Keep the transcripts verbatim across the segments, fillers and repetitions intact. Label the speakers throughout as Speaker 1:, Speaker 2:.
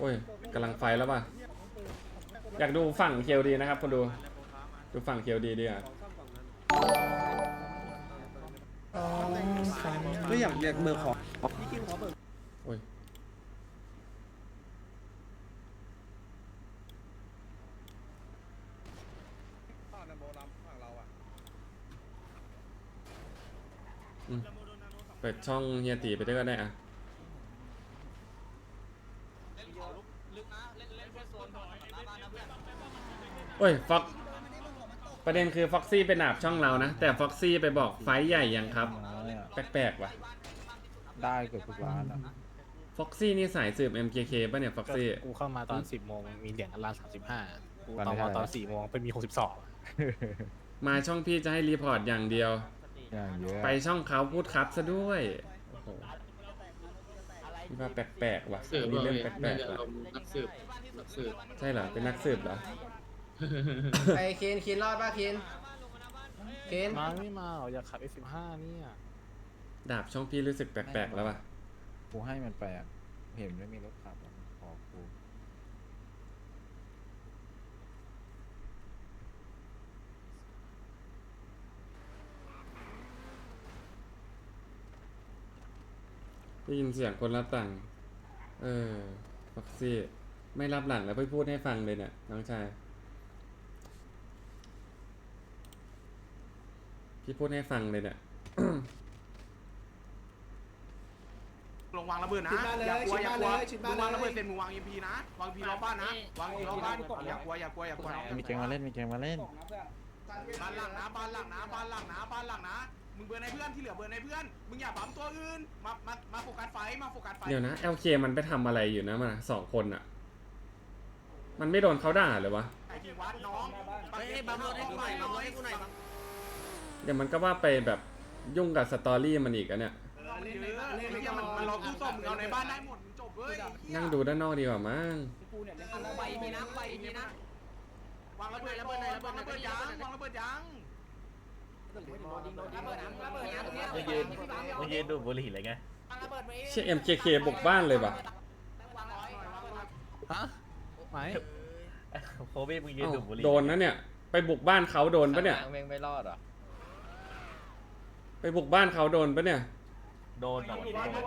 Speaker 1: อ้ยกำลังไฟแล้วป่ะอยากดูฝั่งเคียวดีนะครับคนดูดูฝั่งเคียวดีดีอ่ะ
Speaker 2: ก็อยากเรียกเบอร์ของ
Speaker 1: โอ้ยอืมเปิดช่องเฮียตีไปด้วยก็ได้อ่ะโอ้ยฟ็อกประเด็นคือฟ็อกซี่ไปหนาบช่องเรานะแต่ฟ็อกซี่ไปบอกไฟใหญ่ยังครับแปลกๆว่ะ
Speaker 3: ได้เกือบทุกร้านอ่ะ
Speaker 1: ฟ็อกซี่นี่สายสืบ เอ็ม เค เค ป่ะเนี่ยฟ็อกซี่
Speaker 4: กูเข้ามาตอนสิบโมงมีเหรียญอันละสามสิบห้ากูตอนตอนสี่โมงเป็นมีหกสิบสอง
Speaker 1: มาช่องพี่จะให้รีพอร์ตอย่างเดียว
Speaker 3: อย่างเยอะ
Speaker 1: ไปช่องเขาพูดครับซะด้วยโอ้โหนี่ว่าแปลกๆว่ะมีเรื่องแปลกๆว่ะ
Speaker 5: นักสืบนักสืบ
Speaker 1: ใช่เหรอเป็นนักสืบเหรอ
Speaker 2: ไอ้เคนเคนรอดป่ะเคนเคน
Speaker 4: มาไม่มาหรออยากขับ เอส สิบห้าเนี่ย
Speaker 1: ดาบช่องพี่รู้สึกแปลกๆแล้วว่ะ
Speaker 3: กูให้มันไปอ่ะเห็นไม่มีรถขับขอกู
Speaker 1: ได้ยินเสียงคนรับหลังเออฟ็อกซี่ไม่รับหลังแล้วไปพูดให้ฟังเลยเนี่ยน้องชายพี่พูดให้ฟังเลยเนี่ย
Speaker 6: ลงวางระเบิดนะอย่ากลัวอย่ากลัวมึงวางระเบิดเสร็จมึงวางเอ็มพีนะวางพีล้อบ้านนะวางพีล้อบ้านอย่ากลัวอย่ากลัวอย่ากลัว
Speaker 3: มีเกมมาเล่นมีเกมมาเล่น
Speaker 6: บ้านหลังนะบ้านหลังนะบ้านหลังนะบ้านหลังนะมึงเบิร์นในเพื่อนที่เหลือเบิร์นในเพื่อนมึงอย่าปั๊มตัวอื่นมามามาโฟกัสไฟมาโฟกัสไฟ
Speaker 1: เดี๋ยวนะ แอล เค มันไปทำอะไรอยู่นะมันสองคนอ่ะมันไม่โดนเขาด่าเลยวะ
Speaker 6: ไอ้ที่วัดน้องเฮ้ยบัมรถให้กูหน่อยบัมรถให้กูหน่อยบัม
Speaker 1: เดี๋ยวมันก็ว่าไปแบบยุ่งกับสตอรี่มันอีกอะเนี่ย
Speaker 6: มันมันรอกู้ศพมึงเอาในบ้านได้หมดมึงจบเว้ย
Speaker 1: นั่งดูด้านนอกดีกว่ามั้ง
Speaker 6: ไปทีนะไปทีนะวางระเบิดระเบิดระเบิดระเบิดยังวางระเบิดยัง
Speaker 5: ไม่ยืนไม่ยืนดูบุหรี่เลยไง
Speaker 1: เชี่ย เอ็ม เค เค บุกบ้านเลยป่ะ
Speaker 4: ฮะไม่
Speaker 5: โคบี้มึงยืนดูบุหรี่
Speaker 1: โดนนะเนี่ยไปบุกบ้านเขาโดนปะเนี่ย
Speaker 5: แม่งไม่รอดอ่ะ
Speaker 1: ไปบุกบ้านเขาโดนปะเนี่ย
Speaker 5: โดนโดน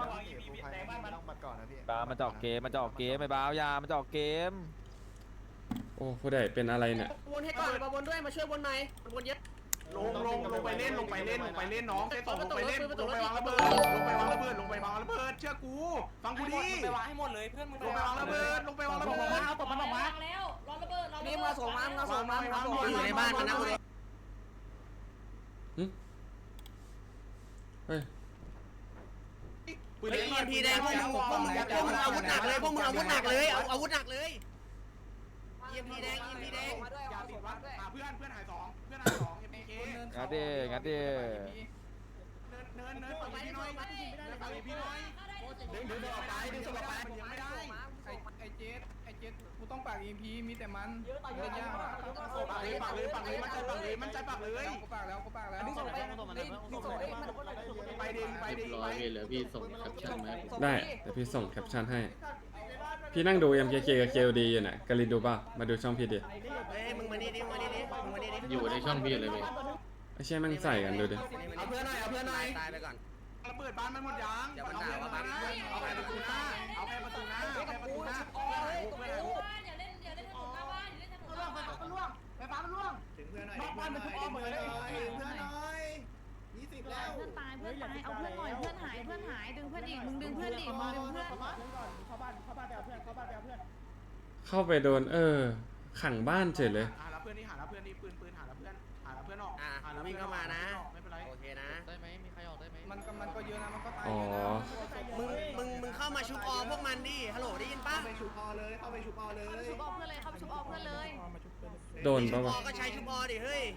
Speaker 4: บามันจะออกเกมมันจะออกเกมไม่บ้ายามันจะออกเกม
Speaker 1: โอ้ผู้ใดเป็นอะไรเนี่ย
Speaker 2: วนให้ก่อนมาวนด้วยมาช่วยวนหน่อยวนเยอะ
Speaker 6: ลงลงลงไปเล่นลงไปเล่นลงไปเล่นน้องเซตสองลงไปเล่นลงไปวางระเบิดลงไปวางระเบิดลงไปวางระเบิดเชื่อกูฟังกูดิ
Speaker 2: ไปวางให้หมดเลยเพื่อนมึง
Speaker 6: ลงไปวางระเบิดลงไปวางระเบิด
Speaker 2: เอาตบมันออกมา
Speaker 7: แล้วรอระเบิดรอระเบิด
Speaker 2: นี่มาส่งมามาส่งมาอยู่ในบ้านมันนะคุณ
Speaker 1: เฮ้ย
Speaker 2: ปืนเอ็มพีแดงพวกมึงพวกมึงพวกมึงอาวุธหนักเลยพวกมึงอาวุธหนักเลยเอาอาวุธหนักเลยเอ็มพีแดงเอ็มพีแดง
Speaker 6: อย่าติดวัดเพื่อนเพื่อนหายสองเพื่อนหายสองเอ็มพีเค
Speaker 4: งัดดิงัดดิ
Speaker 6: เนินเนินฝั่งพี่น้อยเนินฝั่งพี่น้อยดึงดึงออกไปดึงออกไปมันยังไม่ได้
Speaker 8: ไอเจ็ดไอเจ็ดกูต้องปากอีพีมีแต่มันเล่นยากอ่ะ
Speaker 6: ปากเลยปากเลยปากเลยมันใจปากเลยมันใจปากเลย
Speaker 8: กูปากแล้วกูปากแล้ว
Speaker 6: ไปดิไปดิไป
Speaker 5: เหลือพี่ส่งแคปชั่นไหม
Speaker 1: ได้เดี๋ยวพี่ส่งแคปชั่นให้พี่นั่งดู เอ็ม เค เค กับ เค โอ ดี อยู่ไหนกาลินดูป่ะมาดูช่องพี่ดิ
Speaker 2: มึงมานี่ดิมึงมานี่ดิมึงมานี่ดิ
Speaker 5: อยู่ในช่องพี่เลยพี่
Speaker 1: ไอ้เชี่ยมั่งใส่กันดูดิ
Speaker 2: เอาเพื่อนหน่อยเอาเพื่อนหน่อยตายไปก่อน
Speaker 6: ระเบิดบ้านมันหมดยังเอาแค่ประตูหน้าเอาแค่ประตูหน้าเอาแค่ประตูหน้าเอาแค่ประตูหน้า
Speaker 7: อย่าเล่นอย่าเล่นถนนหน้าบ้านอย่าเล่นถนนหน้าบ้าน
Speaker 2: มันล่วงไฟฟ้ามันล่วงถึงเพื่อนหน่อยบ้านมันทุกอ้อมหมดเลยเพื่อนหน่อยยี่สิบแล้ว
Speaker 7: เพื่อนตายเพื่อนตายเอาเพื่อนหน่อยเพื่อนหายเพื่อนหายดึงเพื่อนอีกมึงดึงเพื่อนอีกมึงดึงเพื่อน
Speaker 2: เข้าบ้านเข้าบ้านไปเอาเพื่อนเข้าบ้านไปเอาเพื่อน
Speaker 1: เข้าไปโดนเออขังบ้านเฉยเลย
Speaker 6: หาแล้วเพื่อนนี่หาแล้วเพื่อนนี่ปืนปืนหาแล้วเพื่อนหาแล้วเพื่อนออก
Speaker 2: อ่าวิ่งเข้ามานะ
Speaker 6: ไม่เป็นไร
Speaker 2: โอเคนะ
Speaker 5: ได้ไหมมีใครออกได้ไหม
Speaker 8: มันก็มันก็เยอะนะมันก็ตาย
Speaker 1: อ๋อ
Speaker 2: มึงมึงมึงเข้ามาชุบออพวกมันดิฮัลโหลได้ยินปะเข้าไปชุบออเลยเข้าไปชุบออเลย
Speaker 7: ชุบออเพื่อนเลยเข้าไปชุบออเพื่อนเลย
Speaker 1: โดนปะวะ
Speaker 2: ก็ใช้ชุบออดิเฮ้ย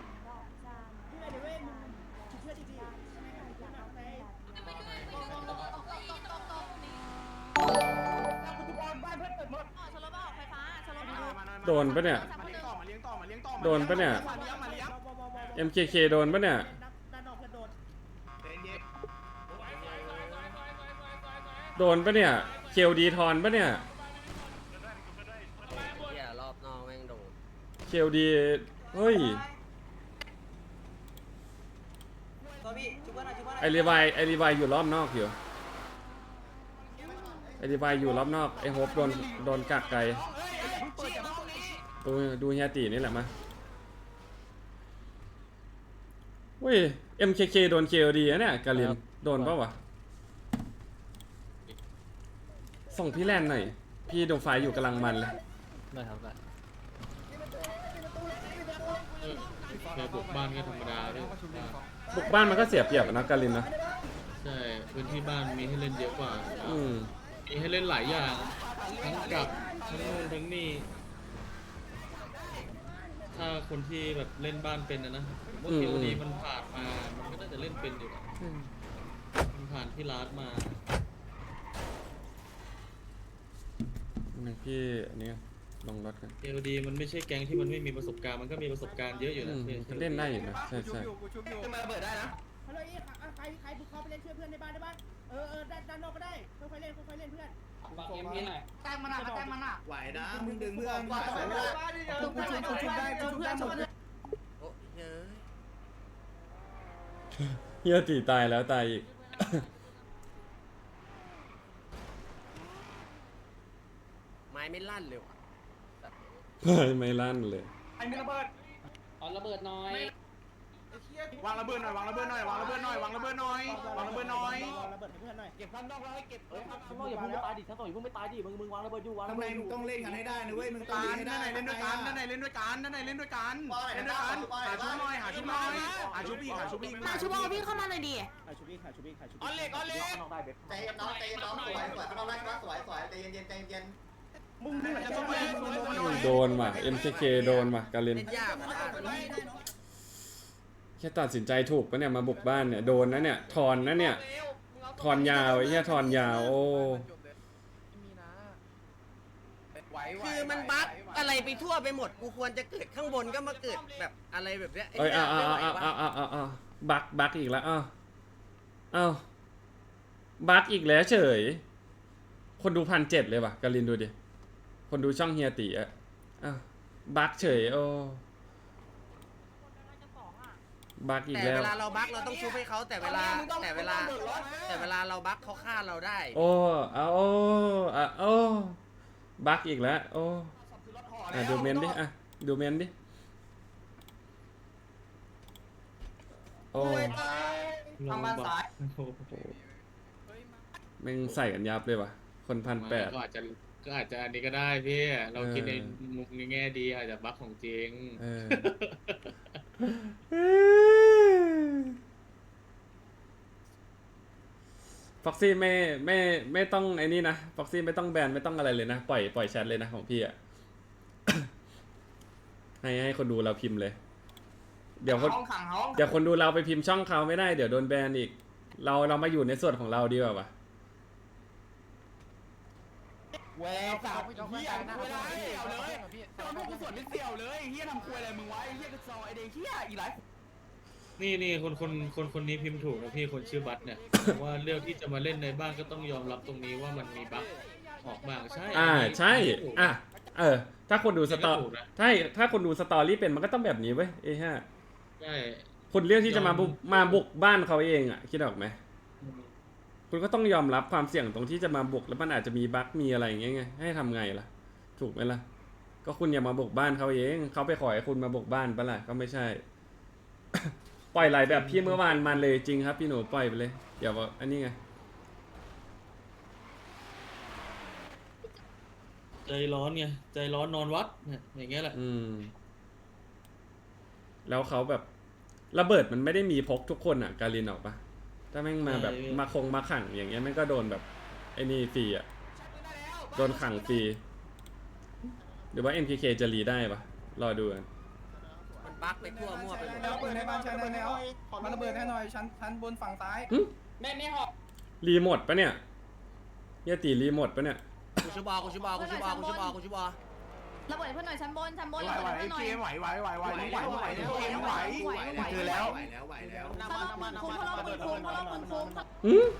Speaker 1: โดนปะเนี่ยโดนปะเนี่ย เอ็ม เค เค โดนปะเนี่ยโดนปะเนี่ยเคลดีทอนปะเนี่ยเคลดีเฮ้ยไอรีวายไอรีวายอยู่รอบนอกอยู่ไอรีวายอยู่รอบนอกไอโฮปโดนโดนกักไกลดูดูเฮียตีนี่แหละมาเว้ย เอ็ม เค เค โดน เค โอ ดี นะเนี่ยกาลินโดนปะวะส่งพี่แลนหน่อยพี่ดูไฟอยู่กำลังมันเลย
Speaker 4: ได้ครับได้
Speaker 9: แค่บุกบ้านก็ธรรมดาด้วย
Speaker 1: บุกบ้านมันก็เสียเปรียบอะนะกาลินนะ
Speaker 9: ใช่พื้นที่บ้านมีให้เล่นเยอะกว่า
Speaker 1: อืม
Speaker 9: มีให้เล่นหลายอย่างทั้งกับทั้งนู่นทั้งนี่ถ้าคนที่แบบเล่นบ้านเป็นนะนะผมว่า
Speaker 1: อืม
Speaker 9: เคโอดีมันผ่านมามันก็น่าจะเล่นเป็นอยู่อะมันผ่านที่ร้านมา
Speaker 1: นี่พี่อันนี้ลงรถกัน
Speaker 9: เคโอดีมันไม่ใช่แก๊งที่มันไม่มีประสบการณ์มันก็มีประสบการณ์เยอะอยู่
Speaker 1: อื
Speaker 9: นะ
Speaker 1: ม
Speaker 9: เค
Speaker 1: มันเล่นได้อยู่นะใช่ใช่
Speaker 8: กูชุบอยู่
Speaker 2: ขึ้นมาระเบิดได้นะ
Speaker 10: ฮัลโหลอีใครใครบุกเข้าไปเล่นช่วยเพื่อนในบ้านได้บ้างเออเออด้านด้านนอกก็ได้ค่อยๆเล่นค่อยๆเล่นเพื่อน
Speaker 8: ฝากเอ็มพีหน่อย
Speaker 7: แต้มมันอ่ะแต้มมันอ่ะ
Speaker 2: ไหวนะ
Speaker 8: มึงดึงเพื่อน
Speaker 2: ไหวนะ
Speaker 8: กูชุบกูชุบได้กูชุบได้หมด
Speaker 2: โอ้ยเฮ้ย
Speaker 1: เฮียตีตายแล้วตายอีก
Speaker 2: ไม้ไม่ลั่นเลยว่ะ
Speaker 1: ไม่ลั่นเลย
Speaker 8: ไอ้มีระเบิด
Speaker 10: เอาระเบิดน้อยว
Speaker 6: างระเบิดหน่อยวางระเบิดหน่อยวางระเบิดหน่อยวางระเบิดหน่อยวางระเบิดหน่อย
Speaker 10: ระเบิดให้เพื่อนหน่อย
Speaker 2: เก็บข้างนอกแล้วให้เก็บ
Speaker 10: ข้างนอกอย่าเพิ่งตายดิทั้งสองอย่าเพิ่งไม่ตายดิมึงมึงวางระเบิดอยู่วาง
Speaker 8: ทำ
Speaker 10: ระ
Speaker 8: ไม
Speaker 10: เบิดอ
Speaker 8: มึง
Speaker 10: ยู่
Speaker 8: ต้องเล่นกันให้ได้นะเว้ยมึงต้อง
Speaker 6: การ
Speaker 8: เล่นให้
Speaker 6: ด้านไหน
Speaker 8: ได้
Speaker 6: เล่นด้วยกันด้านไหนเล่นด้วยกันด้านไหนเล่นด้วยกันเล่นด้วยกันหาชุบหน่อยหาชุบหน่อยหาชุบอีกหาชุบอีก
Speaker 7: มาชูบอลพี่เข้ามาหน่อยดิ
Speaker 10: ขาชูบี้ขาชูบี้ขาชูบี้
Speaker 2: ออนเล็กออนเล็ก
Speaker 10: นอกได้เบ็ด
Speaker 11: ใจเย็นน้องใจเย็นน้องสวยสวยข้างนอกได้นะสวยสวยใจเย็นเย็นใจเย็น
Speaker 8: มึงนี่
Speaker 6: จะต้องไป
Speaker 1: โดนว่ะ เอ็ม เค เค โดนว่ะกาลิน
Speaker 2: เล่นยากอ่ะ
Speaker 1: แค่ตัดสินใจถูกปะเนี่ยมาบุกบ้านเนี่ยโดนนะเนี่ยถอนนะเนี่ยถอนยาวไอ้เหี้ยถอนยาวโอ้
Speaker 2: คือมันบั๊กอะไรไปทั่วไปหมดกูควรจะเกิดข้างบนก็มาเกิดแบบอะไรแบบเนี้ย
Speaker 1: เอ้ยอ้าว
Speaker 2: ไม่
Speaker 1: อ้าว
Speaker 2: ไหว
Speaker 1: อ้าว
Speaker 2: วะ
Speaker 1: อ้าวอ้าวอ้าวบักบักอีกแล้วอ้าวอ้าวบักอีกแล้วเฉยคนดูพันเจ็ดเลยว่ะกาลินดูดิคนดูช่องเฮียตีอะอ้าวบักเฉยโอ้บักอีก
Speaker 2: แต่
Speaker 1: แล้
Speaker 2: เว
Speaker 1: ว
Speaker 2: ลาเราบั๊กเราต้องชุบให้เขาแต่เวลาแต่เวลาแต่เวลาเราบั๊กเขาฆ่าเราได้
Speaker 1: โอ้เอาโอ้อะโอ้บักอีกแล้วโอ้อ่ะดูเมนดิอ่ะดูเมนดิโอ้
Speaker 9: ทางบ้านซ้าย
Speaker 1: แม่งใส่กันยับเลยว่ะคนพันแปด
Speaker 9: ก็อาจจะก็อาจจะอันนี้ก็ได้พี่เรา
Speaker 1: เออ
Speaker 9: คิดในมุมในแง่ดีอาจจะบั๊กของจริง
Speaker 1: เออ ฟ็อกซี่ไม่ไม่ไม่ต้องไอ้นี่นะฟ็อกซี่ไม่ต้องแบนไม่ต้องอะไรเลยนะ ปล่อยปล่อยแชทเลยนะของพี่อ่ะ ให้ให้คนดูเราพิมพ์เลย เดี๋ยวคน
Speaker 6: ห้องขังห้อง
Speaker 1: เดี๋ยวคนดูเราไปพิมพ์ช่องเขาไม่ได้เดี๋ยวโดนแบนอีก เราเรามาอยู่ในส่วนของเราดีกว่าวะ
Speaker 8: แหวกสาวเฮียคุยอะไรเสี่ยวเลยตอนพวกกูสวนเป็นเสี่ยวเลยเฮียทำคุยอะไรมึงไว้เฮียกระจอกไอเด็กเฮียอีไร
Speaker 9: นี่นี่คนคนคนคนนี้พิมพ์ถูกนะพี่คนชื่อบัตเนี่ย ว่าเลือกที่จะมาเล่นในบ้านก็ต้องยอมรับตรงนี้ว่ามันมีบั๊กออกมาใช่
Speaker 1: อ่าใช่อ่ะเออ ถ้าคนดูสตอ
Speaker 9: ถูกนะ
Speaker 1: ถ้าถ้าคนดูสตอรี่เป็นมันก็ต้องแบบนี้เว้ยเอ้ฮะ
Speaker 9: ใช่
Speaker 1: คุณเลือกที่จะมาบุกมาบุกบ้านเขาเองอ่ะคิดออกไหมคุณก็ต้องยอมรับความเสี่ยงตรงที่จะมาบุกแล้วมันอาจจะมีบั๊กมีอะไรอย่างเงี้ยไงให้ทำไงล่ะ ถูกไหมล่ะ ก็คุณอย่ามาบุกบ้านเขาเองเขาไปขอให้คุณมาบุกบ้านปะล่ะก็ไม่ใช่ ปล่อยไหลแบบพี่เมื่อวานมันเลยจริงครับพี่หนูปล่อยไปเลยอย่าว่าอันนี้ไง
Speaker 9: ใจร้อนไงใจร้อนนอนวัดเนี่ยอย่างเงี้ยแหละ
Speaker 1: อืม แล้วเขาแบบระเบิดมันไม่ได้มีพกทุกคนอ่ะ การินออกปะถ้าแม่งมาแบบมาคงมาขังอย่างเงี้ยแม่งก็โดนแบบไอ้นี่ฟรีอ่ะโดนขังฟรีหรือว่า เอ็ม เค เค จะรีได้ปะรอดูกัน
Speaker 2: มันบั๊กไปทั่วมั่วไปหมด
Speaker 8: ระเบิดในบ้านชั้นบนแล้วมันระเบิดให้หน่อยชั้นชั้นบนฝั่งซ้าย
Speaker 1: หึ
Speaker 10: แม่ไม่หอก
Speaker 1: รีโมทปะเนี่ยเฮียตีรีโมทปะเนี่ย
Speaker 2: กูชุบอลกูชุบอลกูชุบอลกูชุบอลกูชุบอล
Speaker 7: ระเบิดเพื่อนหน่อยชั้นบนชั้นบน
Speaker 6: ไหว
Speaker 7: ระ
Speaker 6: ไหว
Speaker 7: เบิดเพื่อนหน่อย
Speaker 6: เกมไหวไหวไหวไหวไหวไหวไหวเกมไหวเจอแล้ว
Speaker 2: ไหวแล้วไหวแล้ว
Speaker 7: สลบหมื่นคุ้มสลบหมื่นคุ้มสลบหมื่นคุ้ม
Speaker 1: หืม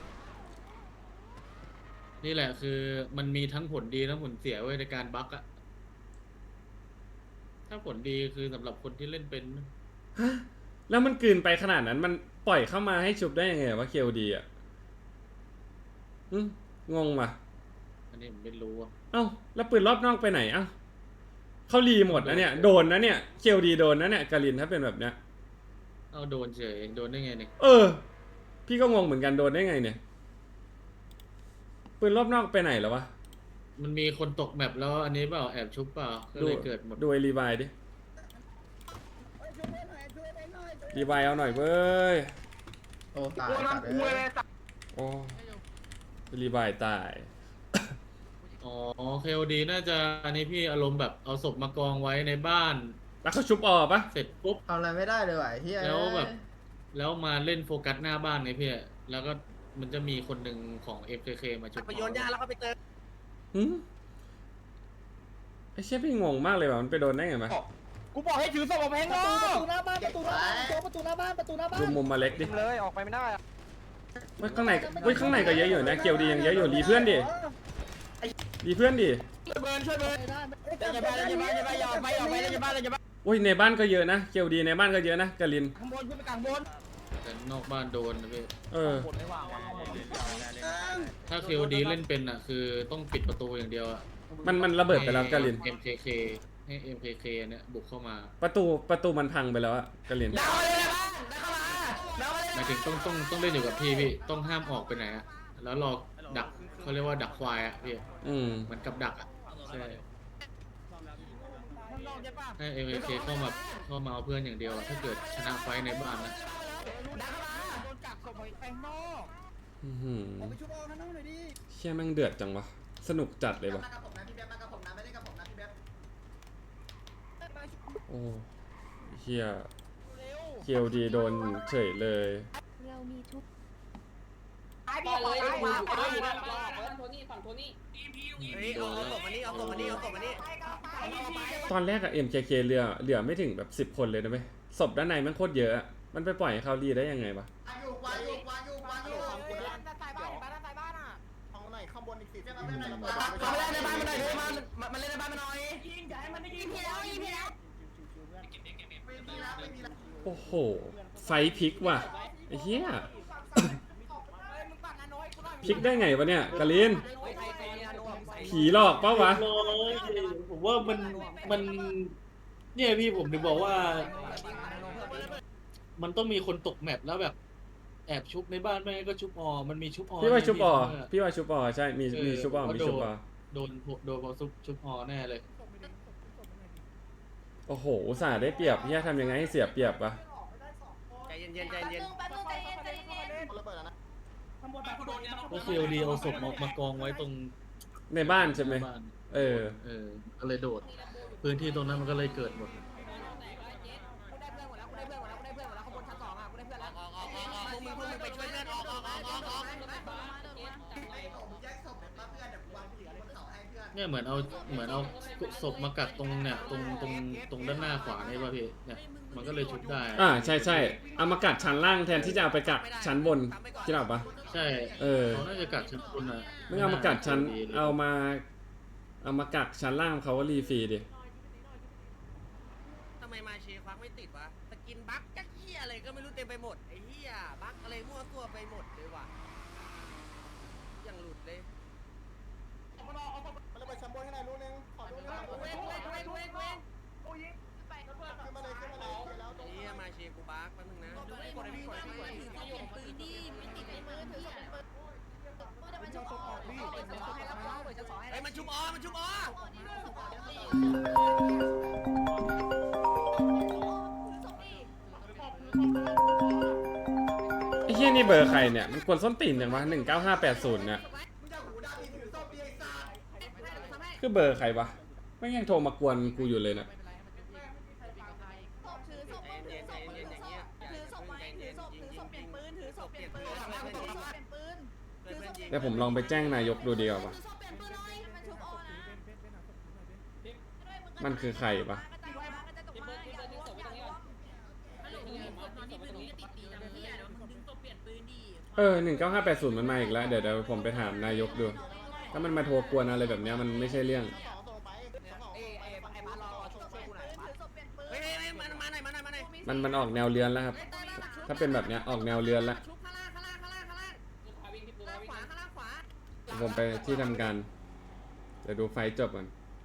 Speaker 9: นี่แหละคือมันมีทั้งผลดีทั้งผลเสียไว้ยในการบั๊กอะถ้าผลดีคือสำหรับคนที่เล่นเป็น
Speaker 1: ฮะแล้วมันกลืนไปขนาดนั้นมันปล่อยเข้ามาให้ชุบได้ยังไงวะเคลดีอ่ะอืมงงว่ะ
Speaker 9: อันนี้ผมไม่รู้อะ
Speaker 1: เอ้าแล้วปืนรอบนอกไปไหนเอ้าเขารีหมดนะเนี่ยโดนนะเนี่ยเคลดีโดนนะเนี่ยกาลินถ้าเป็นแบบเนี้ย
Speaker 9: เอาโดนเฉยโดนได้ไงเนี่ย
Speaker 1: เออ พี่ก็งงเหมือนกันโดนได้ไงเนี่ยปืนรอบนอกไปไหนแล้ววะ
Speaker 9: มันมีคนตกแมปแล้วอันนี้เปล่าแอบชุบเปล่าก็เลยเกิดหมด
Speaker 1: ดูไอรีวายดิรีวายเอาหน่อยเว้ย
Speaker 11: โอ้ตาย
Speaker 6: กูทำคุยเลยสัตว์
Speaker 1: โอ้รีวายตาย
Speaker 9: อ๋อเคโอดีน่าจะอันนี้พี่อารมณ์แบบเอาศพมากองไว้ในบ้าน
Speaker 1: แล้วเขาชุบออกปะ
Speaker 9: เสร็จปุ๊บ
Speaker 11: ทำอะไรไม่ได้เลยว่ะเฮีย
Speaker 9: แล้วแบบ แล้วมาเล่นโฟกัสหน้าบ้านไงพี่แล้วก็มันจะมีคนหนึ่งของ เอฟ เค เค มาชุบ
Speaker 2: ไปโยนยาแล้วก็ไปเติม
Speaker 1: หืมไอ้เชี่ยพี่งงมากเลยว่ะมันไปโดนได้ไงมา
Speaker 8: กูบอกให้ถือศพออกไปข้างนอก
Speaker 10: ประตูหน้าบ้านประตูหน้าบ้านประตูหน้าบ้านประตูหน้าบ้าน
Speaker 1: ดูมุมมาเล็กดิ
Speaker 8: เลยออกไปไม่ได้
Speaker 1: เฮ้ยข้างในเฮ้ยข้างในก็เยอะอยู่นะเกียวดียังเยอะอยู่รีเพื่อนดิรีเพื่อนดิ
Speaker 8: ช่วยเบิร์นช่วยเบิร์นอย่าบ้านอย่าบ้านอย่าบ้านอย่าออกไปออกไปอย่าบ้านอย่าบ้าน
Speaker 1: โอ้ยในบ้านก็เยอะนะเกียวดีในบ้านก็เยอะนะกาลิน
Speaker 8: ข้างบนขึ้นไปกลางบน
Speaker 9: แต่นอกบ้านโดนนะพี่
Speaker 1: เออ
Speaker 9: ถ้าเคโอดีเล่นเป็นอ่ะคือต้องปิดประตูอย่างเดียวอ่ะ
Speaker 1: มันมันระเบิดไปแล้วกาลิน
Speaker 9: เอ็มเคเคให้ เอ็ม เค เค เนี่ยบุกเข้ามา
Speaker 1: ประตูประตูมันพังไปแล้วอะกาลิน
Speaker 8: ดาวเลยนะได้เข้ามาดาวเลย
Speaker 9: หมายถึงต้องต้องต้องเล่นอยู่กับพี่พี่ต้องห้ามออกไปไหนอะแล้วรอดักเขาเรียกว่าดักควายอะพี่
Speaker 1: อืม
Speaker 9: เหมือนกับดักอะใช่ให้ เอ็ม เค เค เข้ามาเข้ามาเอาเพื่อนอย่างเดียวอะถ้าเกิดชนะไฟท์ในบ้านนะ
Speaker 8: โดนจับศพไปข้างนอก
Speaker 1: อื้อหือ
Speaker 10: ไปช่วยเอาข้างนอกหน่อยดิ
Speaker 1: เชี่ยแม่งเดือดจังวะสนุกจัดเลย
Speaker 11: มาว
Speaker 1: ะ
Speaker 11: กับผมนะพี่เบ๊บมากับผมนะไม่ได้กับผมนะพี่เบ๊บ
Speaker 1: โอ้เฮียเกียวดีโดนเฉยเลย
Speaker 7: เรามีทุก
Speaker 2: ตายพี่ขอตายมา
Speaker 10: โทนี่ฝั่งโทนี่
Speaker 2: เฮ้ยเอาศพมานี่เอาศพมานี่เอาศพมานี่
Speaker 1: ตอนแรกอะ เอ็ม เค เค เหลือเหลือไม่ถึงแบบสิบคนเลยนะเว้ยศพด้านในแมันโคตรเยอะอะมันไปปล่อยให้เขารีได้ยังไงวะ
Speaker 11: วางอยู่วางอยู่วางอยู่วางอยู่
Speaker 2: ด้านใต้บ้านด้านใต้บ้านอ่ะ
Speaker 11: ห้องไหนข้างบนอีกสี่เจ้าเพื่อนไหน
Speaker 8: มาเล่นในบ้านมาหน่อยเลยมามาเล่นในบ้านมาหน่อย
Speaker 10: ยิงอย่าให้มันได้ยิงพี่แล้วยิงพี่แล้ว
Speaker 11: ไม่มีแล้วไม่มีแล้ว
Speaker 1: โอ้โหไฟพลิกว่ะไอ้เหี้ยพลิกได้ไงวะเนี่ยกาลินผีหลอกเปล่าวะ
Speaker 9: ร้อยผมว่ามันมันเนี่ยพี่ผมถึงบอกว่า มันต้องมีคนตกแมปแล้วแบบแอบชุบในบ้านไม่งั้นก็ชุบออมันมีชุบออ
Speaker 1: พี่ว่าชุบออ
Speaker 9: เนี่ย
Speaker 1: พี่ว่าชุบออใช่มีมีชุบออมีชุบออ
Speaker 9: โดนโดนพอชุบชุบออแน่เลย
Speaker 1: โอ้โหอุตส่าห์ได้เปรียบเฮียทำยังไงให้เสียเปรียบวะ
Speaker 2: ใจเย็นๆใจเย็น
Speaker 7: แป๊บนึงใจเย็นใจเย็น
Speaker 11: ระเบิดแล้วนะ
Speaker 10: ข้างบนไปข้างบน
Speaker 9: ก็คือเอาดีเอาศพมามากองไว้ตรง
Speaker 1: ในบ้านใช่ไหม
Speaker 9: บ้าน
Speaker 1: เออ
Speaker 9: เออก็เลยโดด พื้นที่ตรงนั้นมันก็เลยเกิดหมด
Speaker 2: ไปช่วยเพื่อนออกออกออกออกออก
Speaker 11: แยกศพเดี๋ยวเพื่อนเดี๋ยววางผีบนเสาให้เพื่อน
Speaker 9: เนี่ยเหมือนเอาเหมือนเอาศพมากักตรงเนี่ยตรงตรงตรงด้านหน้าขวานี่ป่ะพี่เนี่ยมันก็เลยชุบได้
Speaker 1: อ่าใช่ใช่เอามากัดชั้นล่างแทนที่จะเอาไปกัดชั้นบนคิดออกปะ
Speaker 9: ใช่
Speaker 1: เออ
Speaker 9: เขาน่าจะกัดชั้นบนอ่ะ
Speaker 1: ไม่เอามากัดชั้น
Speaker 9: ดีลย
Speaker 1: เอามา เอามากักชั้นล่างเขาก็รีฟรีดิ
Speaker 2: ทำไมมาเชควักไม่ติดวะสกินบั๊กจักเหี้ยอะไรก็ไม่รู้เต็มไปหมดไอ้เหี้ยบั๊กอะไรมั่วตัวไปหมดเลยว่ะยังหลุดเลย
Speaker 11: มันระเบิดชั้นบนให้หน่อยรู้นึงขอรู้นึง
Speaker 2: เว้งเว้งเว้งเว้งเว้ง
Speaker 11: ขึ้นมาเลยขึ้นมาเลยแล้วตรง
Speaker 2: เหี้ยมาเชกูบั๊กแป๊บนึงนะ
Speaker 7: ปืนดีไม่ติดในมือถือปืนแต่มันจะออกเปิดจะสอนให้แล้วเปิดจะสอนให้
Speaker 2: ไอ้มันชุบออมันชุบออ
Speaker 1: ไอ้เหี้ยนี่เบอร์ใครเนี่ย มันกวนส้นตีนอย่างวะหนึ่งเก้าห้าแปดศูนย์เนี่ย
Speaker 11: มึงจะหูด้านนี้ถือศพดีไอ้สัส
Speaker 1: คือเบอร์ใครวะ ไม่ยังโทรมากวนกูอยู่เลยนะ
Speaker 7: ถือศพถือศพถือศพถือศพไว้ถือศพถือศพเปลี่ยนปืนถือศพเปลี่ยนปืนถือศพเปลี่ยนปืน
Speaker 1: เดี๋ยวผมลองไปแจ้งนายกดูดีกว่าปะ
Speaker 7: ถือศพเปลี่ยนปืนเลยมันชุบออนะ
Speaker 1: มันคือใครปะเออหนึ่งเก้าห้าแปดศูนย์มันมาอีกแล้ว เดี๋ยวเดี๋ยวผมไปถามนายกดู ถ้ามันมาโทรกวนอะไรแบบเนี้ยมันไม่ใช่เรื่อง
Speaker 11: สองส่งไปสอง
Speaker 2: ไอ้ไอ้ไอ้บ้านรอรอช่วยช่วยกูหน่อยบ้าน
Speaker 1: มันมันออกแนวเลือนแล้วครับ ถ้าเป็นแบบเนี้ยออกแนวเลือนแล้ว
Speaker 2: ชุบข้างล่างข้างล่างข้างล่างข้างล่างข้างล่างขวาข้างล่างขวา
Speaker 1: ผมไปที่ทำการ เดี๋ยวดูไฟจบก่อน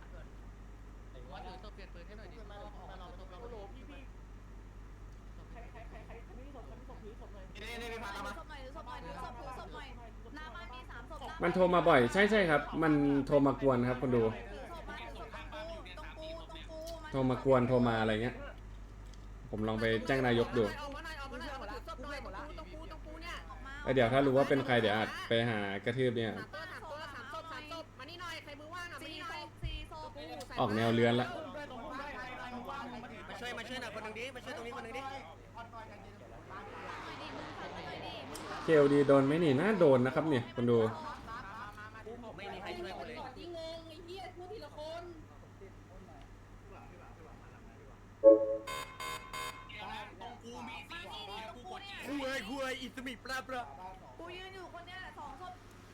Speaker 11: นี่นี่ไปพาเรามา
Speaker 7: ศพหน่อยศพหน่อยศพถือศพหน่อยหน้าบ้านมีสามศพ
Speaker 1: มันโทรมาบ่อย ใช่ใช่ครับ มันโทรมากวนครับคนดู
Speaker 7: ถือศพมาถือศพตรงกูตรงกูตรงกู
Speaker 1: โทรมากวนโทรมาอะไรเงี้ย ผมลองไปแจ้งนายกดู
Speaker 2: ออกมาหน่อยออกมาหน่อยออกมาถือศพหน่อยตรงกูตรงกูตรงกูเนี่ย
Speaker 1: แล้วเดี๋ยวถ้ารู้ว่าเป็นใครเดี๋ยวอาจไปหากระทืบเนี่ย
Speaker 2: สามตัวสามตัวสามศพสามศพมานี่หน่อยใครมือว่างอ่ะมา
Speaker 7: สี่
Speaker 2: นี่ห
Speaker 7: ศ
Speaker 2: น่อย
Speaker 7: พสี่ศพ
Speaker 1: ออกแนวเลือนละ
Speaker 2: มาช่วยมาช่วยหน่อยคนหนึ่งดิมาช่วยตรงนี้คนหนึ่งดิ
Speaker 1: เคลดีโดนไหมนี่น่าโดนนะครับเนี่ยคนดู
Speaker 2: ไม่มีใครช่วยกูเลย
Speaker 10: ที่งงไอ้เหี้ยพูดทีละคน
Speaker 2: คุยคุยอิสมิปลาปลา
Speaker 7: กูยืนอยู่คนเนี้ยสองศพ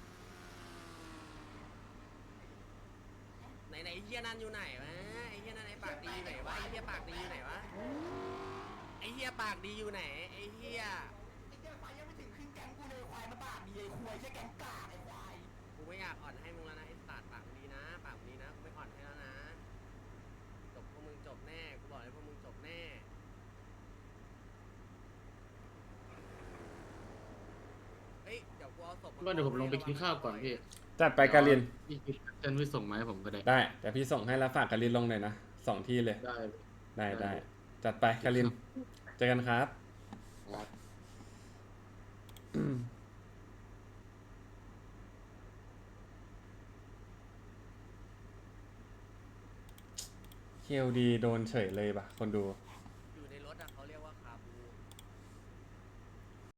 Speaker 2: ไหนไหนไอ้เฮียนั่นอยู่ไหนวะไอ้เฮียนั่นไอ้ปากดีอยู่ไหนวะไอ้เฮียปากดีอยู่ไหนวะไอ้เฮียปากดีอยู่ไหนไอ้เฮีย
Speaker 11: ไอ้เจ้าไฟยังไม่ถึงครึ่งแก๊งกูเลยควายมาปากดีไอ้ควายใช่แก๊งกากไอ้ควาย
Speaker 2: กูไม่อยากอ่อนให้มึงแล้วนะไอ้สัตว์ปากดีนะปากดีนะกูไม่อ่อนให้แล้วนะจบพวกมึงจบแน่กูบอกเลยพวกมึงจบแน่เฮ้ยเดี๋ยวกูเอาศพ
Speaker 9: ก็เดี๋ยวผมลงไปกินข้าวก่อนพี่
Speaker 1: จัดไปการิน
Speaker 9: พี่คิดเส้นพี่ส่งมาให้ผมก็ได้
Speaker 1: ได้ แต่พี่ส่งให้แล้วฝากการินลงหน่อยนะสองที่เลย
Speaker 9: ได้
Speaker 1: ได้ได้ จัดไปการิน เจอกันครับ เคลดีโดนเฉยเลยป่ะ คนดู